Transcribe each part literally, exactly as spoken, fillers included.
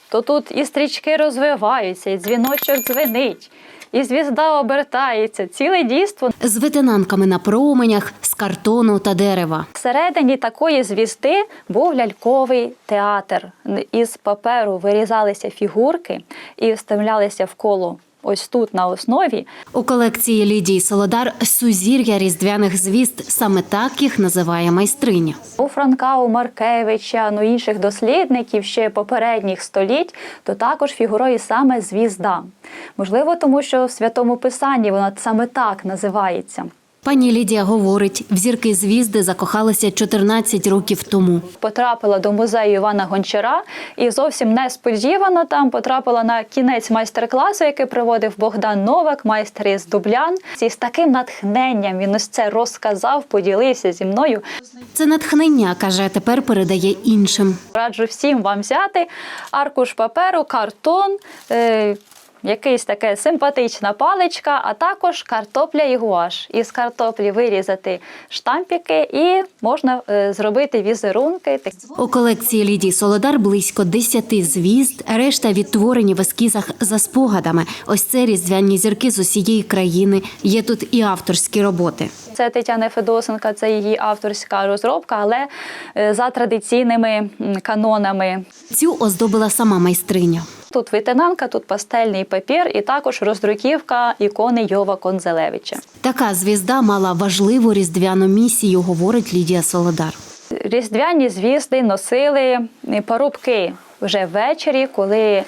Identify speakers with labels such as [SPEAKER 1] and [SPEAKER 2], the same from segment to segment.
[SPEAKER 1] то тут і стрічки розвиваються, і дзвіночок дзвенить, і звізда обертається, ціле дійство.
[SPEAKER 2] З ветенанками на променях, з картону та дерева.
[SPEAKER 1] Всередині такої звізди був ляльковий театр. Із паперу вирізалися фігурки і вставлялися в коло ось тут на основі.
[SPEAKER 2] У колекції Лідії Солодар сузір'я різдвяних звізд, саме так їх називає майстриня.
[SPEAKER 1] У Франка, у Маркевича, ну інших дослідників ще попередніх століть, то також фігурує саме звізда. Можливо, тому що в Святому Писанні вона саме так називається.
[SPEAKER 2] Пані Лідія говорить, в зірки звізди закохалися чотирнадцять років тому.
[SPEAKER 1] Потрапила до музею Івана Гончара і зовсім несподівано там потрапила на кінець майстер-класу, який проводив Богдан Новак, майстер із Дублян. І з таким натхненням він ось це розказав, поділився зі мною.
[SPEAKER 2] Це натхнення, каже, тепер передає іншим.
[SPEAKER 1] Раджу всім вам взяти аркуш паперу, картон, е якась така симпатична паличка, а також картопля і гуаш. Із картоплі вирізати штампики і можна е, зробити візерунки.
[SPEAKER 2] У колекції Лідії Солодар близько десяти звізд, решта відтворені в ескізах за спогадами. Ось це різдвяні зірки з усієї країни. Є тут і авторські роботи.
[SPEAKER 1] Це Тетяни Федосенка, це її авторська розробка, але е, за традиційними канонами.
[SPEAKER 2] Цю оздобила сама майстриня.
[SPEAKER 1] Тут витинанка, тут пастельний папір і також роздруківка ікони Йова Конзелевича.
[SPEAKER 2] Така звізда мала важливу різдвяну місію, говорить Лідія Солодар.
[SPEAKER 1] Різдвяні звізди носили парубки вже ввечері, коли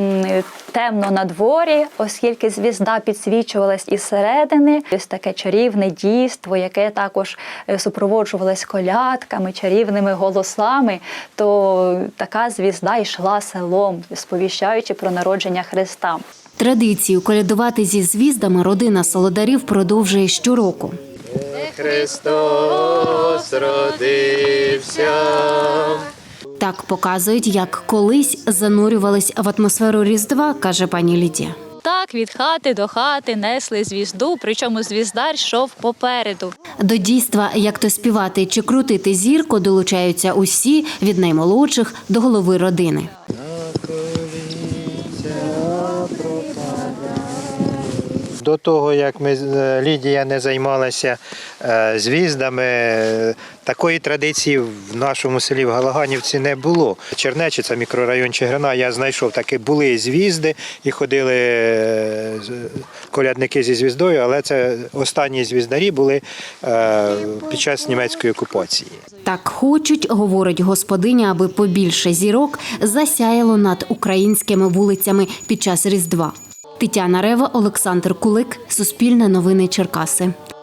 [SPEAKER 1] темно на дворі, оскільки звізда підсвічувалась із середини. Ось таке чарівне дійство, яке також супроводжувалось колядками, чарівними голосами, то така звізда йшла селом, сповіщаючи про народження Христа.
[SPEAKER 2] Традицію колядувати зі звіздами родина Солодарів продовжує щороку.
[SPEAKER 3] Христос родився.
[SPEAKER 2] Так показують, як колись занурювались в атмосферу Різдва, каже пані Лідія.
[SPEAKER 1] Так, від хати до хати несли звізду, причому звіздар йшов попереду.
[SPEAKER 2] До дійства, як то співати чи крутити зірку, долучаються усі, від наймолодших до голови родини.
[SPEAKER 3] До того, як ми, Лідія не займалася звіздами, такої традиції в нашому селі в Галаганівці не було. Чернечі, це мікрорайон Чигирина, я знайшов, таки були звізди і ходили колядники зі звіздою, але це останні звіздарі були під час німецької окупації.
[SPEAKER 2] Так хочуть, говорить господиня, аби побільше зірок засяяло над українськими вулицями під час Різдва. Тетяна Рева, Олександр Кулик, Суспільне новини Черкаси.